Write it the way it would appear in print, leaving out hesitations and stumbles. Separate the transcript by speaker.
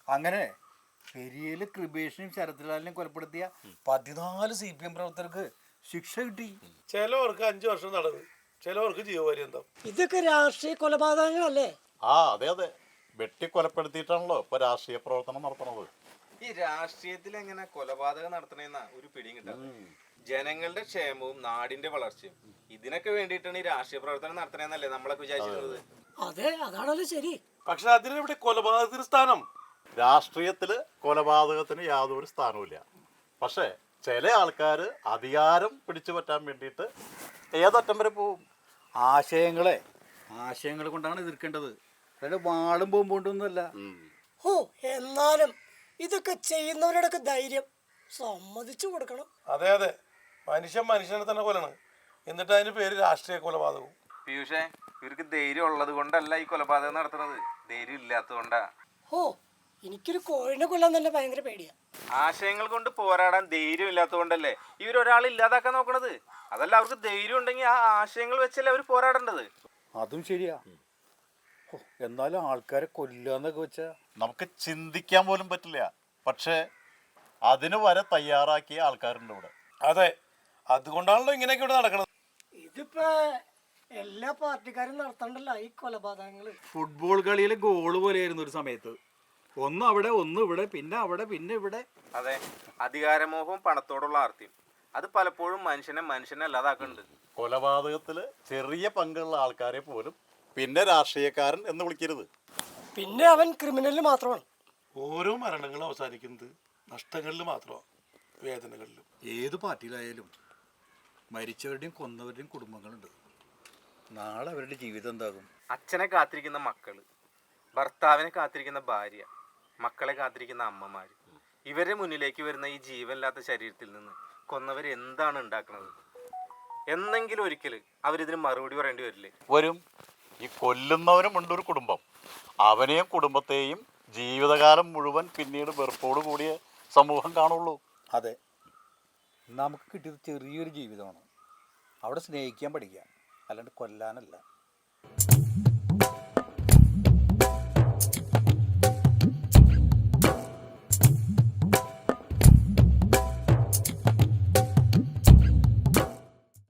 Speaker 1: അങ്ങനെ പെരിയയില് കൃപേഷിനെയും ശരത്ലാലിനെയും കൊലപ്പെടുത്തിയ 14 CPM പ്രവർത്തകർക്ക് ശിക്ഷ കിട്ടി.
Speaker 2: ചിലവർക്ക് 5 വർഷം തടവ്, ചിലവർക്ക് ജീവപര്യന്തം.
Speaker 3: ഇതൊക്കെ രാഷ്ട്രീയ കൊലപാതകങ്ങളല്ലേ?
Speaker 4: അതെ അതെ, വെട്ടിക്കൊലപ്പെടുത്തിയിട്ടാണല്ലോ ഇപ്പൊ രാഷ്ട്രീയ പ്രവർത്തനം നടത്തുന്നത്.
Speaker 5: ഈ രാഷ്ട്രീയത്തിൽ എങ്ങനെ കൊലപാതകം നടത്തണെന്ന ഒരു പിടിയും കിട്ടാതെ. ജനങ്ങളുടെ ക്ഷേമവും നാടിന്റെ വളർച്ചയും ഇതിനൊക്കെ വേണ്ടിയിട്ടാണ് ഈ രാഷ്ട്രീയ പ്രവർത്തനം നടത്തണെന്നല്ലേ നമ്മളൊക്കെ വിചാരിച്ചിരുന്നത്.
Speaker 3: അതെ, അതാണല്ലോ ശരി.
Speaker 2: പക്ഷെ അതിനെവിടെ കൊലപാതകത്തിന് സ്ഥാനം?
Speaker 4: രാഷ്ട്രീയത്തില് കൊലപാതകത്തിന് യാതൊരു സ്ഥാനവുമില്ല. പക്ഷെ ചില ആൾക്കാർ അധികാരം പിടിച്ചു പറ്റാൻ വേണ്ടിയിട്ട് ഏതറ്റം വരെ പോവും.
Speaker 1: ആശയങ്ങളെ കൊണ്ടാണ് എതിർക്കേണ്ടത്, അതായത് വാളും പോകുമ്പോണ്ടൊന്നുമല്ല.
Speaker 3: ഓ, എന്നാലും ഇതൊക്കെ ചെയ്യുന്നവരോടൊക്കെ ധൈര്യം സമ്മതിച്ചു കൊടുക്കണം.
Speaker 2: അതെ അതെ, മനുഷ്യനെ തന്നെ കൊല്ലണം, എന്നിട്ട് അതിന് പേര് രാഷ്ട്രീയ കൊലപാതകവും.
Speaker 5: പീയൂഷേ, ഇവർക്ക് ധൈര്യം ഉള്ളത് കൊണ്ടല്ല ഈ കൊലപാതകം നടത്തുന്നത്, ധൈര്യം ഇല്ലാത്തത് കൊണ്ടാ.
Speaker 3: ഓ, എനിക്കൊരു കോഴിനെ കൊല്ലാൻ തന്നെ ഭയങ്കര പേടിയാ.
Speaker 5: ആശയങ്ങൾ കൊണ്ട് പോരാടാൻ ധൈര്യം ഇല്ലാത്തത് കൊണ്ടല്ലേ ഇവരൊരാൾ ഇല്ലാതാക്കാൻ നോക്കണത്. അതല്ല, അവർക്ക് ധൈര്യം ഉണ്ടെങ്കിൽ ആ ആശയങ്ങൾ വെച്ചല്ലേ അവർ പോരാടേണ്ടത്.
Speaker 1: അതും ശരിയാ. എന്നാലും ആൾക്കാരെ കൊല്ലാന്നൊക്കെ വെച്ചാ
Speaker 4: നമുക്ക് ചിന്തിക്കാൻ പോലും പറ്റില്ല. പക്ഷേ അതിന് വരെ തയ്യാറാക്കിയ ആൾക്കാരുണ്ട് ഇവിടെ.
Speaker 2: അതെ, അതുകൊണ്ടാണല്ലോ ഇങ്ങനെയൊക്കെ ഇവിടെ നടക്കുന്നത്.
Speaker 3: ഇതിപ്പോ എല്ലാ പാർട്ടിക്കാരും നടത്തണ്ടല്ലോ ഈ കൊലപാതകങ്ങള്.
Speaker 1: ഫുട്ബോൾ കളിയിലെ ഗോള് പോലെയായിരുന്നു ഒരു സമയത്ത്. ഒന്ന് അവിടെ, ഒന്ന് ഇവിടെ, പിന്നെ അവിടെ, പിന്നെ ഇവിടെ.
Speaker 5: അതെ, അധികാരമോഹവും പണത്തോടുള്ള ആർത്തിയും അത് പലപ്പോഴും മനുഷ്യനെ അല്ലാതാക്കുന്നുണ്ട്.
Speaker 4: കൊലപാതകത്തിൽ ചെറിയ പങ്കുള്ള ആൾക്കാരെ പോലും പിന്നെ രാഷ്ട്രീയക്കാരൻ എന്ന് വിളിക്കരുത്.
Speaker 3: പിന്നെ അവൻ ക്രിമിനൽ മാത്രമാണ്.
Speaker 2: ഓരോ മരണങ്ങളും അവസാനിക്കുന്നത് നഷ്ടങ്ങളിൽ മാത്രമാണ്, വേദനകളിലും.
Speaker 1: ഏത് പാർട്ടിയിലായാലും മരിച്ചവരുടെയും കൊന്നവരുടെയും കുടുംബങ്ങളുണ്ട്. നാളെ അവരുടെ ജീവിതം എന്താകും?
Speaker 5: അച്ഛനെ കാത്തിരിക്കുന്ന മക്കള്, ഭർത്താവിനെ കാത്തിരിക്കുന്ന ഭാര്യ, മക്കളെ കാത്തിരിക്കുന്ന അമ്മമാര്, ഇവരുടെ മുന്നിലേക്ക് വരുന്ന ഈ ജീവനില്ലാത്ത ശരീരത്തിൽ നിന്ന് കൊന്നവർ എന്താണ് ഉണ്ടാക്കുന്നത്? എന്നെങ്കിലും ഒരിക്കൽ അവരിതിന് മറുപടി പറയേണ്ടി വരില്ലേ?
Speaker 4: വരും. ഈ കൊല്ലുന്നവനും ഉണ്ട് ഒരു കുടുംബം. അവനെയും കുടുംബത്തെയും ജീവിതകാലം മുഴുവൻ പിന്നീട് വെറുപ്പോട് കൂടിയ സമൂഹം കാണുള്ളൂ.
Speaker 1: അതെ, നമുക്ക് കിട്ടിയത് ചെറിയൊരു ജീവിതമാണ്. അവിടെ സ്നേഹിക്കാൻ പഠിക്കുക, അല്ലാണ്ട് കൊല്ലാനല്ല.